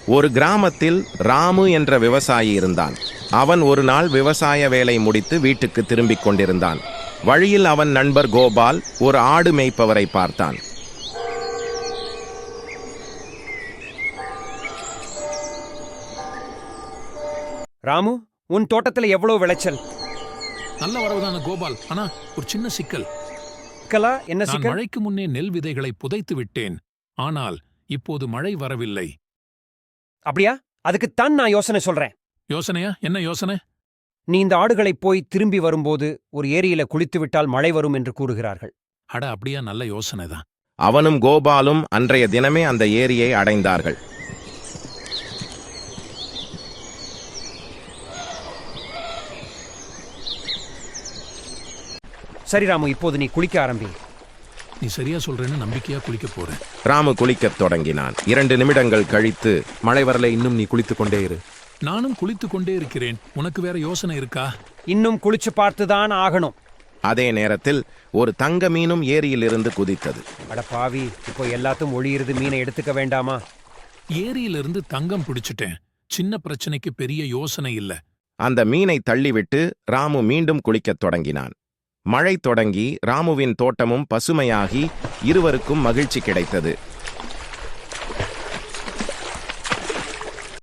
ஒரு கிராமத்தில் ராமு என்ற விவசாயி இருந்தான். அவன் ஒரு நாள் விவசாய வேலை முடித்து வீட்டுக்கு திரும்பிக் கொண்டிருந்தான். வழியில் அவன் நண்பர் கோபால் ஒரு ஆடு மேய்ப்பவரை பார்த்தான். ராமு, உன் தோட்டத்துல எவ்வளவு விளைச்சல்? நல்ல வரவுதான கோபால். ஆனா ஒரு சின்ன சிக்கல். என்ன நான் சிக்கல்? மழைக்கு முன்னே நெல் விதைகளை புதைத்து விட்டேன். ஆனால் இப்போது மழை வரவில்லை. அப்படியா? அதுக்குத்தான் நான் யோசனை சொல்றேன். யோசனையா? என்ன யோசனை? நீ இந்த ஆடுகளை போய் திரும்பி வரும்போது ஒரு ஏரியில குளித்து விட்டால் மழை வரும் என்று கூறுகிறார்கள். அட, அப்படியா? நல்ல யோசனைதான். அவனும் கோபாலும் அன்றைய தினமே அந்த ஏரியை அடைந்தார்கள். சரி ராமு, இப்போது நீ குளிக்க ஆரம்பி. நீ சரியா சொல்றேன்னு நம்பிக்கையா குளிக்க போறேன். ராமு குளிக்கத் தொடங்கினான். 2 நிமிடங்கள் கழித்து, மழை வரல, இன்னும் நீ குளித்துக் கொண்டே இரு. நானும் குளித்துக் கொண்டே இருக்கிறேன். உனக்கு வேற யோசனை இருக்கா? இன்னும் குளிச்சு பார்த்துதான் ஆகணும். அதே நேரத்தில் ஒரு தங்க மீனும் ஏரியிலிருந்து குதித்தது. அட பாவி, இப்போ எல்லாத்தும் ஒளியிருது, மீனை எடுத்துக்க வேண்டாமா? ஏரியிலிருந்து தங்கம் பிடிச்சிட்டேன். சின்ன பிரச்சனைக்கு பெரிய யோசனை இல்ல. அந்த மீனை தள்ளிவிட்டு ராமு மீண்டும் குளிக்கத் தொடங்கினான். மழை தொடங்கி ராமுவின் தோட்டமும் பசுமையாகி இருவருக்கும் மகிழ்ச்சி கிடைத்தது.